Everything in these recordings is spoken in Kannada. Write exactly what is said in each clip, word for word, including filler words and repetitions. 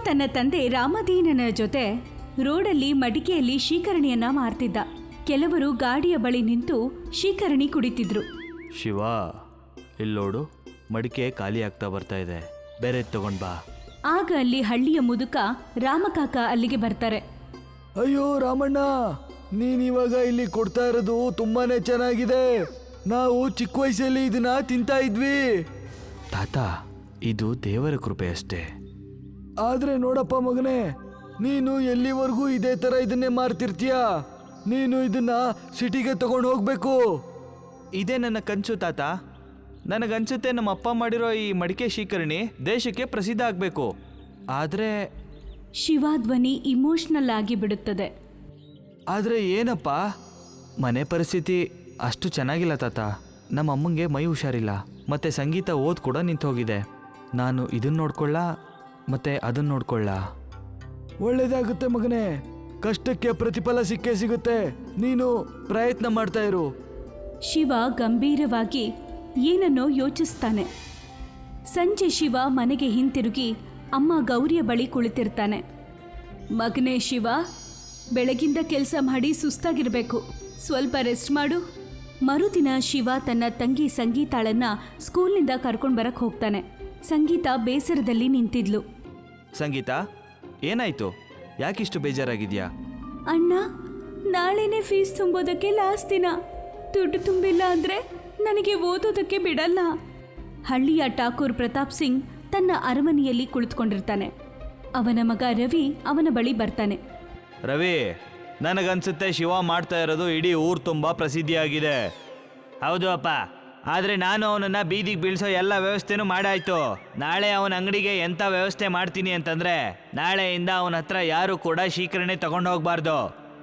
ತನ್ನ ತಂದೆ ರಾಮದೀನನ ಜೊತೆ ರೋಡಲ್ಲಿ ಮಡಿಕೆಯಲ್ಲಿ ಶೀಕರಣಿಯನ್ನ ಮಾರ್ತಿದ್ದ. ಕೆಲವರು ಗಾಡಿಯ ಬಳಿ ನಿಂತು ಶೀಕರಣಿ ಕುಡಿತಿದ್ರು. ಶಿವ, ಇಲ್ಲೋಡು, ಮಡಿಕೆ ಖಾಲಿ ಆಗ್ತಾ ಬರ್ತಾ ಇದೆ, ಬೇರೆ ತಗೊಂಡ್ ಬಾ. ಆಗ ಅಲ್ಲಿ ಹಳ್ಳಿಯ ಮುದುಕ ರಾಮಕಾಕ ಅಲ್ಲಿಗೆ ಬರ್ತಾರೆ. ಅಯ್ಯೋ ರಾಮಣ್ಣ, ನೀನ್ ಇವಾಗ ಇಲ್ಲಿ ಕೊಡ್ತಾ ಇರೋದು ತುಂಬಾನೇ ಚೆನ್ನಾಗಿದೆ. ನಾವು ಚಿಕ್ಕ ವಯಸ್ಸಲ್ಲಿ ಇದನ್ನ ತಿಂತಾ ಇದ್ವಿ. ತಾತ, ಇದು ದೇವರ ಕೃಪೆ ಅಷ್ಟೇ. ಆದ್ರೆ ನೋಡಪ್ಪ ಮಗನೇ, ನೀನು ಎಲ್ಲಿವರೆಗೂ ಇದೇ ತರ ಇದನ್ನೇ ಮಾರ್ತಿರ್ತೀಯ? ನೀನು ಇದನ್ನ ಸಿಟಿಗೆ ತಗೊಂಡು ಹೋಗ್ಬೇಕು. ಇದೇ ನನ್ನ ಕನಸು ತಾತ. ನನಗನ್ಸುತ್ತೆ ನಮ್ಮ ಅಪ್ಪ ಮಾಡಿರೋ ಈ ಮಡಿಕೆ ಶೀಕರಣಿ ದೇಶಕ್ಕೆ ಪ್ರಸಿದ್ಧ ಆಗಬೇಕು. ಆದರೆ ಶಿವ ಧ್ವನಿ ಇಮೋಷನಲ್ ಆಗಿ ಬಿಡುತ್ತದೆ. ಆದರೆ ಏನಪ್ಪ, ಮನೆ ಪರಿಸ್ಥಿತಿ ಅಷ್ಟು ಚೆನ್ನಾಗಿಲ್ಲ ತಾತ. ನಮ್ಮ ಅಮ್ಮಂಗೆ ಮೈ ಹುಷಾರಿಲ್ಲ, ಮತ್ತೆ ಸಂಗೀತ ಓದ್ ಕೂಡ ನಿಂತು ಹೋಗಿದೆ. ನಾನು ಇದನ್ನ ನೋಡ್ಕೊಳ್ಳ ಮತ್ತೆ ಅದನ್ನ ನೋಡ್ಕೊಳ್ಳ. ಒಳ್ಳೇದಾಗುತ್ತೆ ಮಗನೇ, ಕಷ್ಟಕ್ಕೆ ಪ್ರತಿಫಲ ಸಿಕ್ಕೇ ಸಿಗುತ್ತೆ. ನೀನು ಪ್ರಯತ್ನ ಮಾಡ್ತಾ ಇರು. ಶಿವ ಗಂಭೀರವಾಗಿ ಏನನ್ನೋ ಯೋಚಿಸ್ತಾನೆ. ಸಂಜೆ ಶಿವ ಮನೆಗೆ ಹಿಂತಿರುಗಿ ಅಮ್ಮ ಗೌರಿಯ ಬಳಿ ಕುಳಿತಿರ್ತಾನೆ. ಮಗನೇ ಶಿವ, ಬೆಳಗಿಂದ ಕೆಲಸ ಮಾಡಿ ಸುಸ್ತಾಗಿರ್ಬೇಕು, ಸ್ವಲ್ಪ ರೆಸ್ಟ್ ಮಾಡು. ಮರುದಿನ ಶಿವ ತನ್ನ ತಂಗಿ ಸಂಗೀತಾಳನ್ನ ಸ್ಕೂಲ್ನಿಂದ ಕರ್ಕೊಂಡು ಬರಕ್ಕೆ ಹೋಗ್ತಾನೆ. ಸಂಗೀತ ಬೇಸರದಲ್ಲಿ ನಿಂತಿದ್ಲು. ಸಂಗೀತ, ಏನಾಯ್ತು? ಯಾಕಿಷ್ಟು ಬೇಜಾರಾಗಿದ್ಯಾ? ಅಣ್ಣ, ನಾಳೆನೇ ಫೀಸ್ ತುಂಬೋದಕ್ಕೆ ಲಾಸ್ಟ್ ದಿನ. ದುಡ್ಡು ತುಂಬಿಲ್ಲ ಅಂದ್ರೆ ನನಗೆ ಓದೋದಕ್ಕೆ ಬಿಡಲ್ಲ. ಹಳ್ಳಿಯ ಠಾಕೂರ್ ಪ್ರತಾಪ್ ಸಿಂಗ್ ತನ್ನ ಅರಮನೆಯಲ್ಲಿ ಕುಳಿತುಕೊಂಡಿರ್ತಾನೆ. ಅವನ ಮಗ ರವಿ ಅವನ ಬಳಿ ಬರ್ತಾನೆ. ರವಿ, ನನಗನ್ಸುತ್ತೆ ಶಿವ ಮಾಡ್ತಾ ಇರೋದು ಇಡೀ ಊರು ತುಂಬ ಪ್ರಸಿದ್ಧಿಯಾಗಿದೆ. ಹೌದು ಅಪ್ಪ, ಆದರೆ ನಾನು ಅವನನ್ನು ಬೀದಿಗೆ ಬೀಳ್ಸೋ ಎಲ್ಲ ವ್ಯವಸ್ಥೆನೂ ಮಾಡಾಯ್ತು. ನಾಳೆ ಅವನ ಅಂಗಡಿಗೆ ಎಂಥ ವ್ಯವಸ್ಥೆ ಮಾಡ್ತೀನಿ ಅಂತಂದರೆ ನಾಳೆಯಿಂದ ಅವನ ಹತ್ರ ಯಾರು ಕೂಡ ಶೀಕರಣೆ ತಗೊಂಡು ಹೋಗಬಾರ್ದು.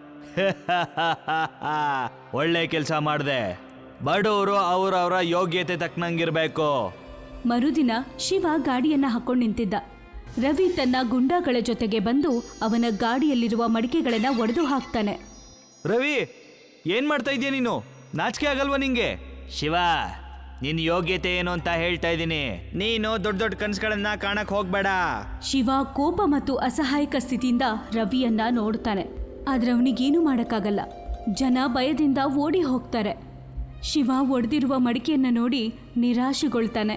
ಒಳ್ಳೆ ಕೆಲಸ ಮಾಡಿದೆ. ಬಡವರು ಅವರವರ ಯೋಗ್ಯತೆ ತಕ್ಕನಂಗಿರಬೇಕು. ಮರುದಿನ ಶಿವ ಗಾಡಿಯನ್ನ ಹಾಕೊಂಡು ನಿಂತಿದ್ದ. ರವಿ ತನ್ನ ಗುಂಡಾಗಳ ಜೊತೆಗೆ ಬಂದು ಅವನ ಗಾಡಿಯಲ್ಲಿರುವ ಮಡಿಕೆಗಳನ್ನ ಒಡೆದು ಹಾಕ್ತಾನೆ. ರವಿ, ಏನ್ ಮಾಡ್ತಾ ಇದೀಯ ನೀನು? ನಾಚಿಕೆ ಆಗಲ್ವಾ ನಿಂಗೆ? ಶಿವ, ನಿನ್ನ ಯೋಗ್ಯತೆ ಏನು ಅಂತ ಹೇಳ್ತಾ ಇದ್ದೀನಿ. ನೀನು ದೊಡ್ಡ ದೊಡ್ಡ ಕನಸುಗಳನ್ನ ಕಾಣಕ್ ಹೋಗ್ಬೇಡ. ಶಿವ ಕೋಪ ಮತ್ತು ಅಸಹಾಯಕ ಸ್ಥಿತಿಯಿಂದ ರವಿಯನ್ನ ನೋಡ್ತಾನೆ. ಆದ್ರೆ ಅವನಿಗೇನು ಮಾಡಕ್ಕಾಗಲ್ಲ. ಜನ ಭಯದಿಂದ ಓಡಿ ಹೋಗ್ತಾರೆ. ಶಿವ ಒಡೆದಿರುವ ಮಡಿಕೆಯನ್ನ ನೋಡಿ ನಿರಾಶೆಗೊಳ್ತಾನೆ.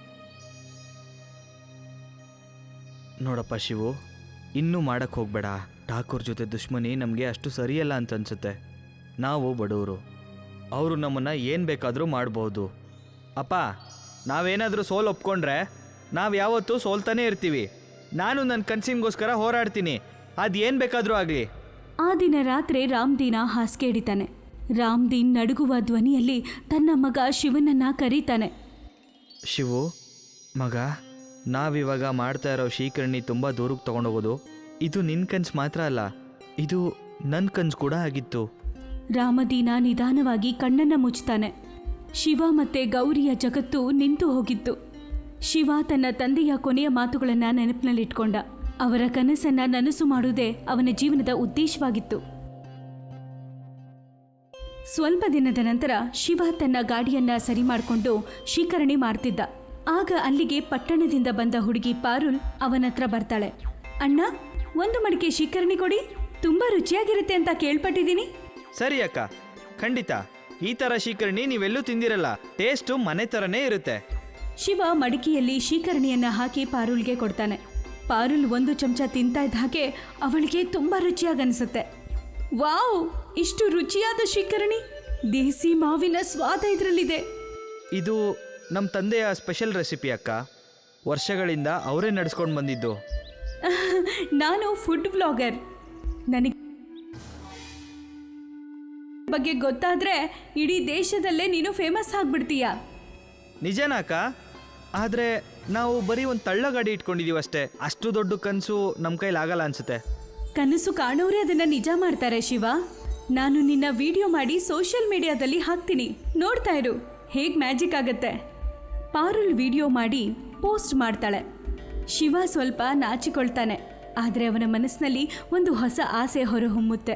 ನೋಡಪ್ಪ ಶಿವು, ಇನ್ನೂ ಮಾಡಕ್ಕೆ ಹೋಗ್ಬೇಡ. ಠಾಕೂರ್ ಜೊತೆ ದುಶ್ಮನಿ ನಮಗೆ ಅಷ್ಟು ಸರಿಯಲ್ಲ ಅಂತ ಅನ್ಸುತ್ತೆ. ನಾವು ಬಡವರು, ಅವರು ನಮ್ಮನ್ನು ಏನು ಬೇಕಾದರೂ ಮಾಡ್ಬೋದು. ಅಪ್ಪ, ನಾವೇನಾದರೂ ಸೋಲು ಒಪ್ಕೊಂಡ್ರೆ ನಾವು ಯಾವತ್ತೂ ಸೋಲ್ತಾನೇ ಇರ್ತೀವಿ. ನಾನು ನನ್ನ ಕನಸಿಗೋಸ್ಕರ ಹೋರಾಡ್ತೀನಿ, ಅದು ಏನು ಬೇಕಾದರೂ ಆಗಲಿ. ಆ ದಿನ ರಾತ್ರಿ ರಾಮ್ದೀನ ಹಾಸಿಗೆ ಹಿಡಿತಾನೆ. ರಾಮ್ದೀನ್ ನಡುಗುವ ಧ್ವನಿಯಲ್ಲಿ ತನ್ನ ಮಗ ಶಿವನನ್ನ ಕರೀತಾನೆ. ಶಿವು ಮಗ, ನಾವಿವಾಗ ಮಾಡ್ತಾ ಇರೋ ಶೀಕರಣಿ ತುಂಬ ದೂರಕ್ಕೆ ತೊಗೊಂಡೋಗೋದು ಇದು ನಿನ್ನ ಕನಸು ಮಾತ್ರ ಅಲ್ಲ, ಇದು ನನ್ನ ಕನಸು ಕೂಡ ಆಗಿತ್ತು. ರಾಮದೀನ ನಿಧಾನವಾಗಿ ಕಣ್ಣನ್ನ ಮುಚ್ತಾನೆ. ಶಿವ ಮತ್ತೆ ಗೌರಿಯ ಜಗತ್ತು ನಿಂತು ಹೋಗಿತ್ತು. ಶಿವ ತನ್ನ ತಂದೆಯ ಕೊನೆಯ ಮಾತುಗಳನ್ನ ನೆನಪಿನಲ್ಲಿಟ್ಕೊಂಡ. ಅವರ ಕನಸನ್ನ ನನಸು ಮಾಡುವುದೇ ಅವನ ಜೀವನದ ಉದ್ದೇಶವಾಗಿತ್ತು. ಸ್ವಲ್ಪ ದಿನದ ನಂತರ ಶಿವ ತನ್ನ ಗಾಡಿಯನ್ನ ಸರಿ ಮಾಡಿಕೊಂಡು ಶೀಕರಣಿ ಮಾರ್ತಿದ್ದ. ಆಗ ಅಲ್ಲಿಗೆ ಪಟ್ಟಣದಿಂದ ಬಂದ ಹುಡುಗಿ ಪಾರುಲ್ ಅವನತ್ರ ಬರ್ತಾಳೆ. ಅಣ್ಣ, ಒಂದು ಮಡಿಕೆ ಶೀಕರಣಿ ಕೊಡಿ, ತುಂಬಾ ರುಚಿಯಾಗಿರುತ್ತೆ ಅಂತ ಕೇಳ್ಪಟ್ಟಿದ್ದೀನಿ. ಸರಿ ಅಕ್ಕ, ಖಂಡಿತ. ಈ ಥರ ಶೀಕರಣಿ ನೀವೆಲ್ಲೂ ತಿಂದಿರಲ್ಲ, ಟೇಸ್ಟು ಮನೆ ಥರನೇ ಇರುತ್ತೆ. ಶಿವ ಮಡಿಕೆಯಲ್ಲಿ ಶೀಕರಣಿಯನ್ನ ಹಾಕಿ ಪಾರುಲ್ಗೆ ಕೊಡ್ತಾನೆ. ಪಾರುಲ್ ಒಂದು ಚಮಚ ತಿಂತಾ ಇದ್ದ ಹಾಗೆ ಅವಳಿಗೆ ತುಂಬಾ ರುಚಿಯಾಗನ್ಸುತ್ತೆ. ವಾವ್, ಇಷ್ಟು ರುಚಿಯಾದ ಶೀಕರಣಿ! ದೇಸಿ ಮಾವಿನ ಸ್ವಾದ ಇದರಲ್ಲಿದೆ. ಇದು ನಮ್ಮ ತಂದೆಯ ಸ್ಪೆಷಲ್ ರೆಸಿಪಿ ಅಕ್ಕ. ವರ್ಷಗಳಿಂದ ಅವರೇ ನಡೆಸ್ಕೊಂಡು ಬಂದಿದ್ದು. ನಾನು ಫುಡ್ ಬ್ಲಾಗರ್. ನನಗೆ ಬಗ್ಗೆ ಗೊತ್ತಾದ್ರೆ ಇಡೀ ದೇಶದಲ್ಲೇ ನೀನು ಫೇಮಸ್ ಆಗ್ಬಿಡ್ತೀಯ. ನಿಜನಾ ಅಕ್ಕ? ಆದರೆ ನಾವು ಬರೀ ಒಂದು ತಳ್ಳ ಗಾಡಿ ಇಟ್ಕೊಂಡಿದ್ದೀವಿ ಅಷ್ಟೇ. ಅಷ್ಟು ದೊಡ್ಡ ಕನಸು ನಮ್ಮ ಕೈಲಾಗಲ್ಲ ಅನ್ಸುತ್ತೆ. ಕನಸು ಕಾಣೋರೇ ಅದನ್ನ ನಿಜ ಮಾಡ್ತಾರೆ ಶಿವ. ನಾನು ನಿನ್ನ ವಿಡಿಯೋ ಮಾಡಿ ಸೋಷಿಯಲ್ ಮೀಡಿಯಾದಲ್ಲಿ ಹಾಕ್ತೀನಿ, ನೋಡ್ತಾ ಇರು ಹೇಗೆ ಮ್ಯಾಜಿಕ್ ಆಗತ್ತೆ. ಪಾರುಲ್ ವಿಡಿಯೋ ಮಾಡಿ ಪೋಸ್ಟ್ ಮಾಡ್ತಾಳೆ. ಶಿವ ಸ್ವಲ್ಪ ನಾಚಿಕೊಳ್ತಾನೆ, ಆದರೆ ಅವನ ಮನಸ್ಸಿನಲ್ಲಿ ಒಂದು ಹೊಸ ಆಸೆ ಹೊರಹೊಮ್ಮುತ್ತೆ.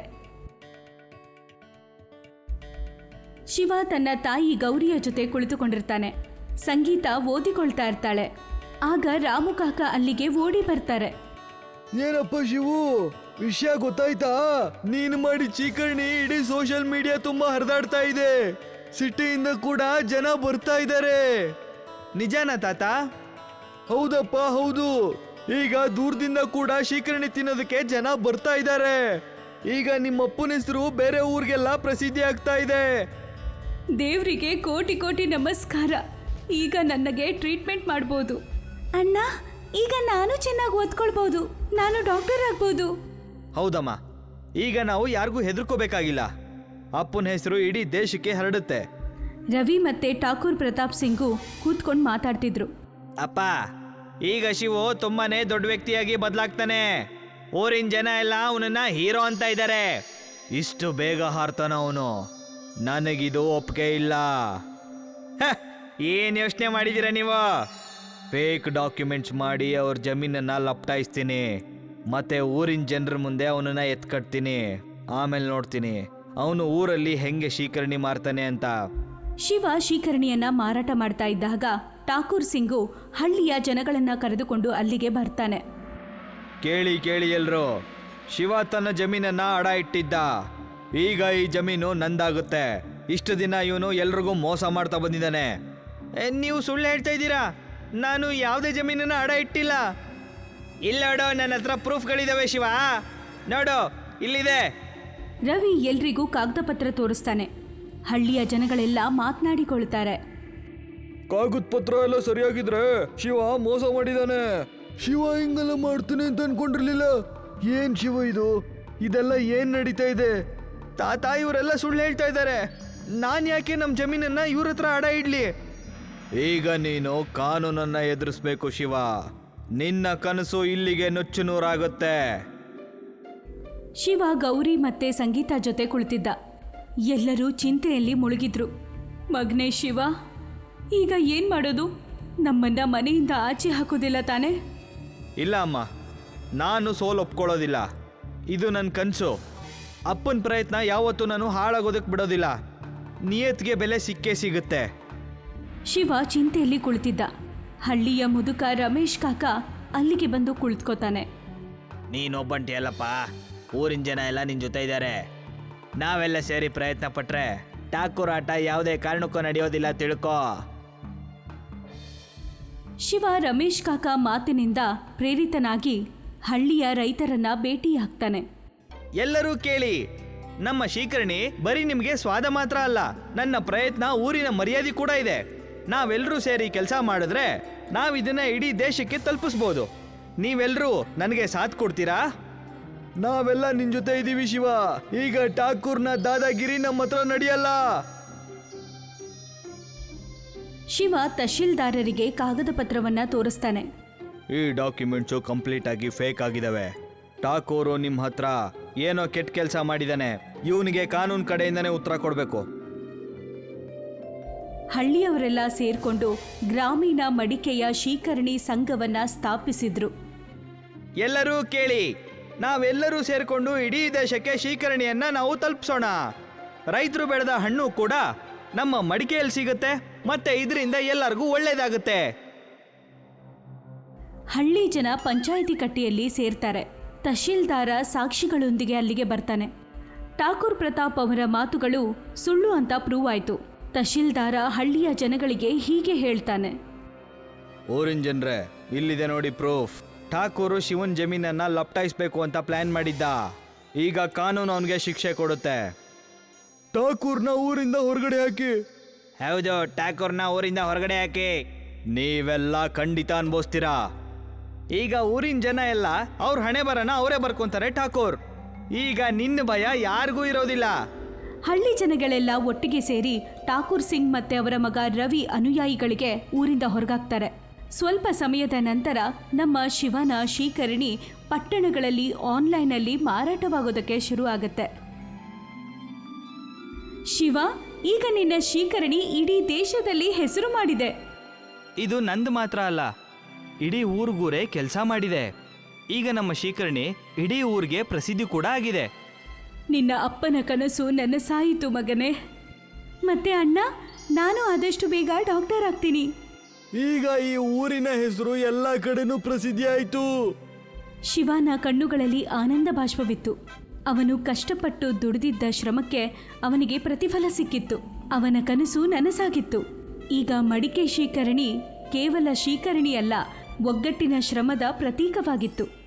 ಶಿವ ತನ್ನ ತಾಯಿ ಗೌರಿಯ ಜೊತೆ ಕುಳಿತುಕೊಂಡಿರ್ತಾನೆ. ಸಂಗೀತ ಓದಿಕೊಳ್ತಾ ಇರ್ತಾಳೆ. ಆಗ ರಾಮು ಕಾಕ ಅಲ್ಲಿಗೆ ಓಡಿ ಬರ್ತಾರೆ. ಏನಪ್ಪ ಶಿವು, ವಿಷಯ ಗೊತ್ತಾಯ್ತಾ? ನೀನು ಮಾಡಿ ಚೀಕರ್ಣಿ ಇಡೀ ಸೋಷಿಯಲ್ ಮೀಡಿಯಾ ತುಂಬಾ ಹರಿದಾಡ್ತಾ ಇದೆ. ಸಿಟಿಯಿಂದ ಕೂಡ ಜನ ಬರ್ತಾ ಇದ್ದಾರೆ. ನಿಜಾನಾ ತಾತ? ಹೌದಪ್ಪ ಹೌದು. ಈಗ ದೂರದಿಂದ ಕೂಡ ಶೀಕರಣಿ ತಿನ್ನೋದಕ್ಕೆ ಜನ ಬರ್ತಾ ಇದ್ದಾರೆ. ಈಗ ನಿಮ್ಮ ಅಪ್ಪನ ಹೆಸರು ಬೇರೆ ಊರಿಗೆಲ್ಲ ಪ್ರಸಿದ್ಧಿ ಆಗ್ತಾ ಇದೆ. ದೇವರಿಗೆ ಕೋಟಿ ಕೋಟಿ ನಮಸ್ಕಾರ. ಈಗ ನನಗೆ ಟ್ರೀಟ್ಮೆಂಟ್ ಮಾಡ್ಬೋದು. ಅಣ್ಣ, ಈಗ ನಾನು ಚೆನ್ನಾಗಿ ಓದ್ಕೊಳ್ಬೋದು. ನಾನು ಡಾಕ್ಟರ್ ಆಗ್ಬೋದು. ಹೌದಮ್ಮ, ಈಗ ನಾವು ಯಾರಿಗೂ ಹೆದರ್ಕೋಬೇಕಾಗಿಲ್ಲ. ಅಪ್ಪನ ಹೆಸರು ಇಡೀ ದೇಶಕ್ಕೆ ಹರಡುತ್ತೆ. ರವಿ ಮತ್ತೆ ಠಾಕೂರ್ ಪ್ರತಾಪ್ ಸಿಂಗು ಕೂತ್ಕೊಂಡು ಮಾತಾಡ್ತಿದ್ರು. ಅಪ್ಪ, ಈಗ ಶಿವು ತುಂಬಾನೇ ದೊಡ್ಡ ವ್ಯಕ್ತಿಯಾಗಿ ಬದಲಾಗ್ತಾನೆ. ಊರಿನ ಜನ ಎಲ್ಲ ಅವನನ್ನ ಹೀರೋ ಅಂತ ಇದ್ದಾರೆ. ಇಷ್ಟು ಬೇಗ ಹಾರ್ತಾನ ಅವನು. ನನಗಿದು ಒಪ್ಪಿಗೆ ಇಲ್ಲ. ಹ, ಏನ್ ಯೋಚನೆ ಮಾಡಿದ್ದೀರಾ ನೀವು? ಫೇಕ್ ಡಾಕ್ಯುಮೆಂಟ್ಸ್ ಮಾಡಿ ಅವ್ರ ಜಮೀನನ್ನ ಲಪ್ಟಾಯಿಸ್ತೀನಿ. ಮತ್ತೆ ಊರಿನ ಜನರ ಮುಂದೆ ಅವನನ್ನ ಎತ್ಕಟ್ತೀನಿ. ಆಮೇಲೆ ನೋಡ್ತೀನಿ ಅವನು ಊರಲ್ಲಿ ಹೆಂಗೆ ಶೀಕರಣಿ ಮಾರ್ತಾನೆ ಅಂತ. ಶಿವ ಶೀಕರಣಿಯನ್ನ ಮಾರಾಟ ಮಾಡ್ತಾ ಇದ್ದಾಗ ಠಾಕೂರ್ ಸಿಂಗು ಹಳ್ಳಿಯ ಜನಗಳನ್ನ ಕರೆದುಕೊಂಡು ಅಲ್ಲಿಗೆ ಬರ್ತಾನೆ. ಕೇಳಿ ಕೇಳಿ ಎಲ್ರು, ಶಿವ ತನ್ನ ಜಮೀನನ್ನ ಅಡ ಇಟ್ಟಿದ್ದ. ಈಗ ಈ ಜಮೀನು ನಂದಾಗುತ್ತೆ. ಇಷ್ಟು ದಿನ ಇವನು ಎಲ್ರಿಗೂ ಮೋಸ ಮಾಡ್ತಾ ಬಂದಿದ್ದಾನೆ. ನೀವು ಸುಳ್ಳು ಹೇಳ್ತಾ ಇದ್ದೀರಾ? ನಾನು ಯಾವುದೇ ಜಮೀನನ್ನ ಅಡ ಇಟ್ಟಿಲ್ಲ. ಇಲ್ಲ ನೋಡು, ನನ್ನ ಹತ್ರ ಪ್ರೂಫ್ಗಳಿದಾವೆ ಶಿವ. ನೋಡು, ಇಲ್ಲಿದೆ. ರವಿ ಎಲ್ರಿಗೂ ಕಾಗದ ಪತ್ರ ತೋರಿಸ್ತಾನೆ. ಹಳ್ಳಿಯ ಜನಗಳೆಲ್ಲ ಮಾತನಾಡಿಕೊಳ್ತಾರೆ. ಕಾಗದ ಪತ್ರ ಎಲ್ಲ ಸರಿಯಾಗಿದ್ರೆ ಶಿವ ಮೋಸ ಮಾಡಿದಾನೆ. ಶಿವ ಹಿಂಗೆಲ್ಲ ಮಾಡ್ತಾನೆ ಅಂತ ಅನ್ಕೊಂಡಿರ್ಲಿಲ್ಲ. ಏನ್ ಶಿವ ಇದು? ಇದೆಲ್ಲ ಏನ್ ನಡೀತಾ ಇದೆ? ತಾತ, ಇವರೆಲ್ಲ ಸುಳ್ಳು ಹೇಳ್ತಾ ಇದ್ದಾರೆ. ನಾನು ಯಾಕೆ ನಮ್ಮ ಜಮೀನನ್ನ ಇವ್ರ ಹತ್ರ ಅಡ ಇಡ್ಲಿ? ಈಗ ನೀನು ಕಾನೂನನ್ನ ಎದುರಿಸ್ಬೇಕು ಶಿವ. ನಿನ್ನ ಕನಸು ಇಲ್ಲಿಗೆ ನುಚ್ಚು ನೂರಾಗುತ್ತೆ. ಶಿವ ಗೌರಿ ಮತ್ತೆ ಸಂಗೀತ ಜೊತೆ ಕುಳಿತಿದ್ದ. ಎಲ್ಲರೂ ಚಿಂತೆಯಲ್ಲಿ ಮುಳುಗಿದ್ರು. ಮಗ್ನೇ ಶಿವ, ಈಗ ಏನ್ ಮಾಡೋದು? ನಮ್ಮನ್ನ ಮನೆಯಿಂದ ಆಚೆ ಹಾಕೋದಿಲ್ಲ ತಾನೆ? ಇಲ್ಲ ಅಮ್ಮ, ನಾನು ಸೋಲು ಒಪ್ಕೊಳ್ಳೋದಿಲ್ಲ. ಇದು ನನ್ನ ಕನಸು. ಅಪ್ಪನ ಪ್ರಯತ್ನ ಯಾವತ್ತೂ ನಾನು ಹಾಳಾಗೋದಕ್ಕೆ ಬಿಡೋದಿಲ್ಲ. ನಿಯತ್ಗೆ ಬೆಲೆ ಸಿಕ್ಕೇ ಸಿಗುತ್ತೆ. ಶಿವ ಚಿಂತೆಯಲ್ಲಿ ಕುಳಿತಿದ್ದ. ಹಳ್ಳಿಯ ಮುದುಕ ರಮೇಶ್ ಕಾಕ ಅಲ್ಲಿಗೆ ಬಂದು ಕುಳಿತುಕೋತಾನೆ. ನೀನೊಬ್ಬಂಟಿ ಅಲ್ಲಪ್ಪ, ಊರಿನ ಜನ ಎಲ್ಲ ನಿನ್ನ ಜೊತೆ ಇದ್ದಾರೆ. ನಾವೆಲ್ಲ ಸೇರಿ ಪ್ರಯತ್ನ ಪಟ್ರೆ ಠಾಕೂರ್ ಆಟ ಯಾವುದೇ ಕಾರಣಕ್ಕೂ ನಡೆಯೋದಿಲ್ಲ, ತಿಳ್ಕೋ. ಶಿವ ರಮೇಶ್ ಕಾಕ ಮಾತಿನಿಂದ ಪ್ರೇರಿತನಾಗಿ ಹಳ್ಳಿಯ ರೈತರನ್ನ ಭೇಟಿಯಾಗ್ತಾನೆ. ಎಲ್ಲರೂ ಕೇಳಿ, ನಮ್ಮ ಶೀಕರಣಿ ಬರೀ ನಿಮಗೆ ಸ್ವಾದ ಮಾತ್ರ ಅಲ್ಲ, ನನ್ನ ಪ್ರಯತ್ನ ಊರಿನ ಮರ್ಯಾದೆ ಕೂಡ ಇದೆ. ನಾವೆಲ್ಲರೂ ಸೇರಿ ಕೆಲಸ ಮಾಡಿದ್ರೆ ನಾವಿದನ್ನ ಇಡೀ ದೇಶಕ್ಕೆ ತಲುಪಿಸ್ಬೋದು. ನೀವೆಲ್ಲರೂ ನನಗೆ ಸಾಥ್ ಕೊಡ್ತೀರಾ? ನಾವೆಲ್ಲ ನಿನ್ ಜೊತೆ ಇದೀವಿ ಶಿವ. ಈಗ ಠಾಕೂರ್ನ ದಾದಾಗಿರಿ ನಮ್ಮ ಹತ್ರ ನಡೆಯಲ್ಲ. ಶಿವ ತಹಶೀಲ್ದಾರರಿಗೆ ಕಾಗದ ಪತ್ರವನ್ನ ತೋರಿಸ್ತಾನೆ. ಈ ಡಾಕ್ಯುಮೆಂಟ್ಸು ಕಂಪ್ಲೀಟ್ ಆಗಿ ಫೇಕ್ ಆಗಿದಾವೆ. ಠಾಕೂರು ನಿಮ್ಮ ಹತ್ರ ಏನೋ ಕೆಟ್ಟ ಕೆಲಸ ಮಾಡಿದಾನೆ. ಇವನಿಗೆ ಕಾನೂನು ಕಡೆಯಿಂದನೇ ಉತ್ತರ ಕೊಡಬೇಕು. ಹಳ್ಳಿಯವರೆಲ್ಲ ಸೇರ್ಕೊಂಡು ಗ್ರಾಮೀಣ ಮಡಿಕೆಯ ಶೀಕರಣಿ ಸಂಘವನ್ನ ಸ್ಥಾಪಿಸಿದ್ರು. ಎಲ್ಲರೂ ಕೇಳಿ, ನಾವೆಲ್ಲರೂ ಸೇರ್ಕೊಂಡು ಇಡೀ ದೇಶಕ್ಕೆ ಶೀಕರಣಿಯನ್ನ ನಾವು ತಲುಪಿಸೋಣ. ರೈತರು ಬೆಳೆದ ಹಣ್ಣು ಕೂಡ ನಮ್ಮ ಮಡಿಕೆಯಲ್ಲಿ ಸಿಗುತ್ತೆ, ಮತ್ತೆ ಇದರಿಂದ ಎಲ್ಲರಿಗೂ ಒಳ್ಳೇದಾಗುತ್ತೆ. ಹಳ್ಳಿ ಜನ ಪಂಚಾಯಿತಿ ಕಟ್ಟೆಯಲ್ಲಿ ಸೇರ್ತಾರೆ. ತಹಶೀಲ್ದಾರ ಸಾಕ್ಷಿಗಳೊಂದಿಗೆ ಅಲ್ಲಿಗೆ ಬರ್ತಾನೆ. ಠಾಕೂರ್ ಪ್ರತಾಪ್ ಅವರ ಮಾತುಗಳು ಸುಳ್ಳು ಅಂತ ಪ್ರೂವ್ ಆಯ್ತು. ತಹಶೀಲ್ದಾರ ಹಳ್ಳಿಯ ಜನಗಳಿಗೆ ಹೀಗೆ ಹೇಳ್ತಾನೆ. ಊರಿನ ಜನರೇ, ಇಲ್ಲಿದೆ ನೋಡಿ ಪ್ರೂಫ್. ಠಾಕೂರು ಶಿವನ್ ಜಮೀನನ್ನ ಲಪ್ಟಾಯಿಸ್ಬೇಕು ಅಂತ ಪ್ಲಾನ್ ಮಾಡಿದ್ದ. ಈಗ ಕಾನೂನು ಅವನಿಗೆ ಶಿಕ್ಷೆ ಕೊಡುತ್ತೆ. ಠಾಕೂರ್ನ ಊರಿಂದ ಹೊರಗಡೆ ಹಾಕಿ. ಹೌದು, ಠಾಕೂರ್ನ ಊರಿಂದ ಹೊರಗಡೆ ಹಾಕಿ. ನೀವೆಲ್ಲ ಖಂಡಿತ ಅನ್ಭವಿಸ್ತೀರಾ. ಈಗ ಊರಿನ ಜನ ಎಲ್ಲ ಅವ್ರ ಹಣೆ ಬರನ ಅವರೇ ಬರ್ಕೊಂತಾರೆ ಠಾಕೂರ್. ಈಗ ನಿನ್ನ ಭಯ ಯಾರಿಗೂ ಇರೋದಿಲ್ಲ. ಹಳ್ಳಿ ಜನಗಳೆಲ್ಲ ಒಟ್ಟಿಗೆ ಸೇರಿ ಠಾಕೂರ್ ಸಿಂಗ್ ಮತ್ತೆ ಅವರ ಮಗ ರವಿ ಅನುಯಾಯಿಗಳಿಗೆ ಊರಿಂದ ಹೊರಗಾಕ್ತಾರೆ. ಸ್ವಲ್ಪ ಸಮಯದ ನಂತರ ನಮ್ಮ ಶಿವನ ಶೀಕರಣಿ ಪಟ್ಟಣಗಳಲ್ಲಿ ಆನ್ಲೈನಲ್ಲಿ ಮಾರಾಟವಾಗೋದಕ್ಕೆ ಶುರು ಆಗುತ್ತೆ. ಶಿವ, ಈಗ ನಿನ್ನ ಶೀಕರಣಿ ಇಡೀ ದೇಶದಲ್ಲಿ ಹೆಸರು ಮಾಡಿದೆ. ಇದು ನಂದು ಮಾತ್ರ ಅಲ್ಲ, ಇಡೀ ಊರಿಗೂರೇ ಕೆಲಸ ಮಾಡಿದೆ. ಈಗ ನಮ್ಮ ಶೀಕರಣಿ ಇಡೀ ಊರಿಗೆ ಪ್ರಸಿದ್ಧಿ ಕೂಡ ಆಗಿದೆ. ನಿನ್ನ ಅಪ್ಪನ ಕನಸು ನನ್ನ ಸಾಯಿತು ಮಗನೇ. ಮತ್ತೆ ಅಣ್ಣ, ನಾನು ಆದಷ್ಟು ಬೇಗ ಡಾಕ್ಟರ್ ಆಗ್ತೀನಿ. ಈಗ ಈ ಊರಿನ ಹೆಸರು ಎಲ್ಲ ಕಡೆನೂ ಪ್ರಸಿದ್ಧಿ ಆಯ್ತು. ಶಿವನ ಕಣ್ಣುಗಳಲ್ಲಿ ಆನಂದ ಬಾಷ್ಪವಿತ್ತು. ಅವನು ಕಷ್ಟಪಟ್ಟು ದುಡಿದಿದ್ದ ಶ್ರಮಕ್ಕೆ ಅವನಿಗೆ ಪ್ರತಿಫಲ ಸಿಕ್ಕಿತ್ತು. ಅವನ ಕನಸು ನನಸಾಗಿತ್ತು. ಈಗ ಮಡಿಕೆ ಶೀಕರಣಿ ಕೇವಲ ಶೀಕರಣಿಯಲ್ಲ, ಒಗ್ಗಟ್ಟಿನ ಶ್ರಮದ ಪ್ರತೀಕವಾಗಿತ್ತು.